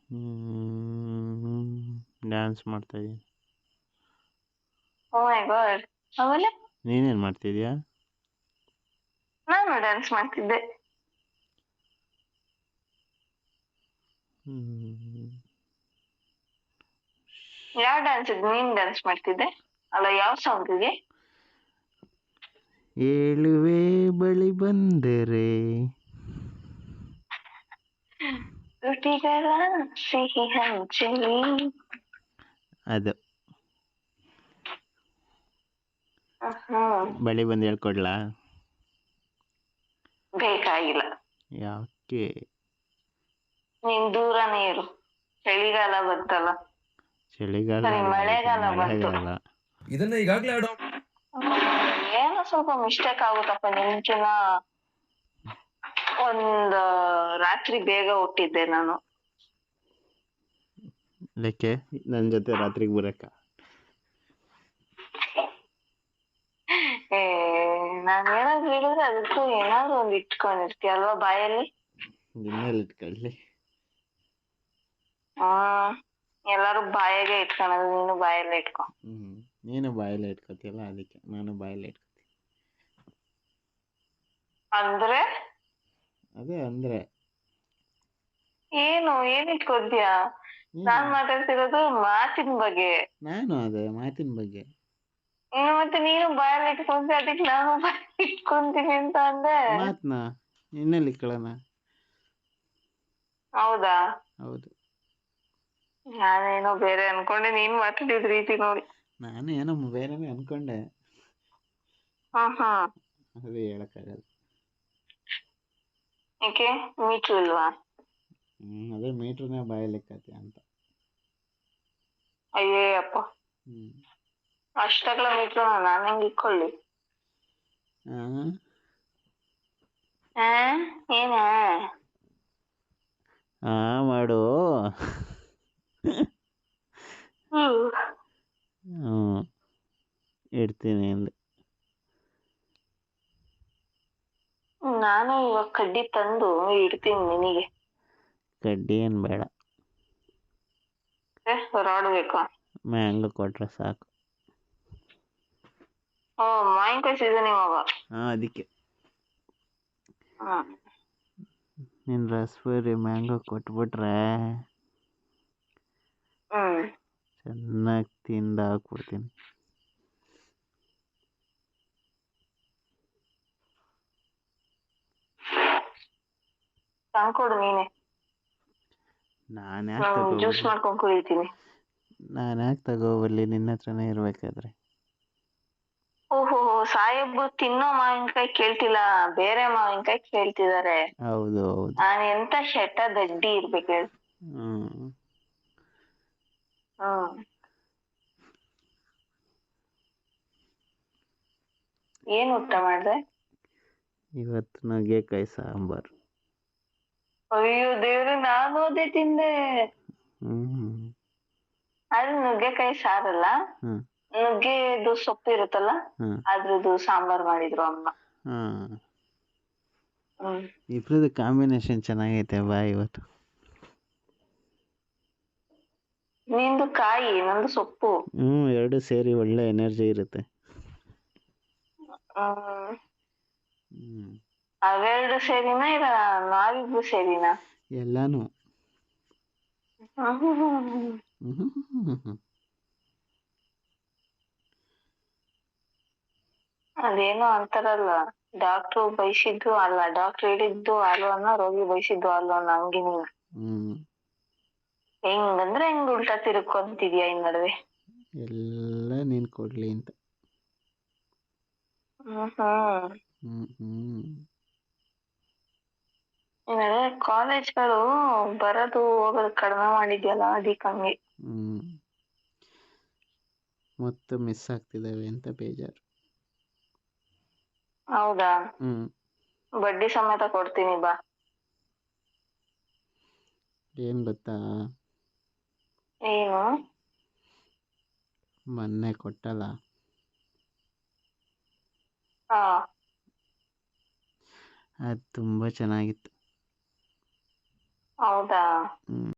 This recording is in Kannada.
ಡ್ಯಾನ್ಸ್ ಮಾಡ್ತಾ ಇದ್ದೀನಿ. Oh my god. ಆಮೇಲೆ ನೀನೇನು ಮಾಡ್ತಿದ್ಯಾ? ನಾನು ಡ್ಯಾನ್ಸ್ ಮಾಡ್ತಿದ್ದೆ. ಯಾವ ಡ್ಯಾನ್ಸ್ ಇದ್ ನೀನ್ ಡ್ಯಾನ್ಸ್ ಮಾಡ್ತಿದ್ದೆ? ಅಲ್ಲ, ಯಾವ ಸಾಂಗಿಗೆ? ಏಳುವೆ ಬಳಿ ಬಂದರೆ ತುಟಿಗಳ ಸಿಹಿ ಹಂಚಲಿ. ಅದು ಹ್ಮ್, ಬಳಿ ಬಂದು ಹೇಳ್ಕೊಡ್ಲಾ? ಬೇಕಾಗಿಲ್ಲ. ಯಾಕೆ? ನೀನ್ ದೂರನೇ ಇರು. ಚಳಿಗಾಲ ಬಂತಲ್ಲ. ಚಳಿಗಾಲ ಸರಿ, ಅಲ್ಲ, ಇದು ಮಳೆಗಾಲ ಬಂತು. ಮಳೆಗಾಲ. ಇದನ್ನ ಈಗಾಗ್ಲೇ ಆಡೋ ಏನೋ ಸ್ವಲ್ಪ ಮಿಸ್ಟೇಕ್ ಆಗುತ್ತಪ್ಪ. ನಿಮ್ಕಿನ ಒಂದ್ ರಾತ್ರಿ ಬೇಗ ಹುಟ್ಟಿದ್ದೆ ನಾನು. ಲೆಕ್ಕೆ ನನ್ನ ಜೊತೆ ರಾತ್ರಿಗೆ ಬರಕ್ಕ? ನಾನ್ ಏನಾದ್ರು ಹೇಳಿದ್ರೆ ಅದಕ್ಕೂ ಏನಾದ್ರು ಒಂದ್ ಇಟ್ಕೊಂಡಿರ್ತೀಯ ಅಲ್ವಾ ಬಾಯಲ್ಲಿ. ಇನ್ನೆಲ್ಲಿ ಇಟ್ಕೊಳ್ಳಿ? ಎಲ್ಲಾರು ಬಾಯಾಗೆ ಇಟ್ಕೊಳೋದು, ನೀನು ಬಾಯಲ್ಲೇ ಇಟ್ಕೊ. ನೀನು ಬಾಯಲ್ಲೇ ಇಟ್ಕೊತೀಯಲ್ಲ, ಅದಕ್ಕೆ ನಾನು ಬಾಯಲ್ಲೇ ಇಟ್ಕೊತೀನಿ. ಅಂದ್ರೆ ಅದೇ ಅಂದ್ರೆ ಏನ್ ಇಟ್ಕೊತೀಯ? ನಾನ್ ಮಾತಾಡ್ತಿರೋದು ಮಾತಿನ ಬಗ್ಗೆ. ನಾನು ಅದೇ ಮಾತಿನ ಬಗ್ಗೆ. ಮತ್ತೆ ನೀನು ಬಾಯಲ್ಲಿ ಇಟ್ಕೊಂತಿ, ಅದಕ್ಕೆ ನಾನು ಬಾಯಲ್ಲಿ ಇಟ್ಕೊಂತೀನಿ ಅಂತ ಅಂದೆ. ಮಾತ್ನ ಇನ್ನೆಲ್ಲಿ ಇಟ್ಕೊಳ್ಳೋಣ? ಹೌದಾ? ಹೌದು. ನಾನೇನೋ ಬೇರೆ ಅನ್ಕೊಂಡೆ, ನೀನ್ ಮಾತಾಡಿದ ರೀತಿ ನೋಡಿ. ನಾನು ಏನೋ ಬೇರೆನೇ ಅನ್ಕೊಂಡೆ. ಅದೇ ಹೇಳಕ್ಕಾಗಲ್ಲ. ಏಕೆ ಮೀಟ್ರು ಇಲ್ವಾ? ಅದೇ ಮೀಟ್ರನ್ನೇ ಬಾಯಲ್ಲಿ ಇಕ್ಕತ್ತೀಯ ಅಂತ. ಅಯ್ಯೇ ಅಪ್ಪ, ಅಷ್ಟಗಳ ಮೀಟ್ರು ನಾನು ಹೆಂಗ್ ಇಕ್ಕೊಳ್ಳಿ? ಏನ ಮಾಡು. ಇಡ್ತೀನಿ ಅಂದೆ. ನಾನು ಇವಾಗ ಕಡ್ಡಿ ತಂದು ಇಡ್ತೀನಿ ನಿನಗೆ. ಕಡ್ಡಿ ಏನು ಬೇಡ, ರಾಡ್ ಬೇಕಾ? ಮ್ಯಾಂಗೋ ಕೊಟ್ರೆ ಸಾಕು. ಮಾವಿನಕಾಯಿ ಸೀಸನ್ ಇವಾಗ. ಅದಕ್ಕೆ ನೀನು ರಸಬರಿ ಮ್ಯಾಂಗೋ ಕೊಟ್ಬಿಟ್ರೆ ಚೆನ್ನಾಗಿ ತಿಂದು ಹಾಕ್ಬಿಡ್ತೀನಿ. ತಂದ್ಕೊಡು ನೀನೆ. ನಾನು ಯಾಕೆ ಜ್ಯೂಸ್ ಮಾಡ್ಕೊಂಡು ಕುಡಿತೀನಿ. ನಾನು ಯಾಕೆ ತಗೋಬರ್ಲಿ ನಿನ್ನ ಹತ್ರನೇ ಇರ್ಬೇಕಾದ್ರೆ? ಓಹೋ, ಸಾಹೇಬ್ರು ತಿನ್ನೋ ಮಾವಿನಕಾಯಿ ಕೇಳ್ತಿಲ್ಲ, ಬೇರೆ ಮಾವಿನಕಾಯಿ ಕೇಳ್ತಿದಾರೆ. ಹೌದು ಹೌದು. ನಾನು ಎಂತ ಶೆಟ್ಟ ದಡ್ಡಿ ಇರ್ಬೇಕು ಹೇಳಿ. ಏನ್ ಊಟ ಮಾಡ್ದೆ ಇವತ್ತು? ನುಗ್ಗೆಕಾಯಿ ಸಾಂಬಾರು. ಅಯ್ಯೋ ದೇವ್ರೆ, ನಾನು ಅದೇ ತಿಂದೆ. ಅದು ನುಗ್ಗೆಕಾಯಿ ಸಾರಲ್ಲ, ನುಗ್ಗೆದು ಸೊಪ್ಪು ಇರುತ್ತಲ್ಲ, ಅದ್ರದ್ದು ಸಾಂಬಾರ್ ಮಾಡಿದ್ರು ಅಮ್ಮ. ಇಬ್ರದ್ದು ಕಾಂಬಿನೇಷನ್ ಚೆನ್ನಾಗೈತೆ ಬಾ ಇವತ್ತು. ನಿಂದು ಕಾಯಿ, ನಂದು ಸೊಪ್ಪು. ಎರಡು ಸೇರಿ ಒಳ್ಳೆ ಎನರ್ಜಿ ಇರುತ್ತೆ. ಅವೆರಡು ಸೇರಿನಾ ಇಲ್ಲ ನಾವಿಬ್ರು ಸೇರಿನಾ? ಎಲ್ಲಾನು. ಅದೇನೋ ಅಂತಾರಲ್ಲ, ಡಾಕ್ಟ್ರು ಬಯಸಿದ್ದು ಅಲ್ಲ, ಡಾಕ್ಟ್ರು ಹೇಳಿದ್ದು ಅಲ್ವನ್ನ, ರೋಗಿ ಬಯಸಿದ್ದು ಅಲ್ವನ್ನ, ಹಂಗೆ ನೀನು. ಹೆಂಗಂದ್ರೆ ಹೆಂಗ್ ಉಲ್ಟಾ ತಿರ್ಕೊಂತಿದ್ಯಾ ಈ ನಡುವೆ. ಎಲ್ಲ ನೀನ್ ಕೊಡ್ಲಿ ಅಂತ. ಕಾಲೇಜ್ಗಳು ಬರೋದು ಹೋಗೋದು ಕಡಿಮೆ ಮಾಡಿದ್ಯಲ್ಲ, ಅದಕ್ಕೆ ಹಂಗೆ. ಮತ್ತೆ ಮಿಸ್ ಆಗ್ತಿದಾವೆ ಅಂತ ಬೇಜಾರು. ಹೌದಾ? ಬಡ್ಡಿ ಸಮೇತ ಕೊಡ್ತೀನಿ ಬಾ. ಏನ್ ಗೊತ್ತಾ? ಏನು? ಮೊನ್ನೆ ಕೊಟ್ಟಲ್ಲ, ಅದು ತುಂಬಾ ಚೆನ್ನಾಗಿತ್ತು. ಹೌದಾ?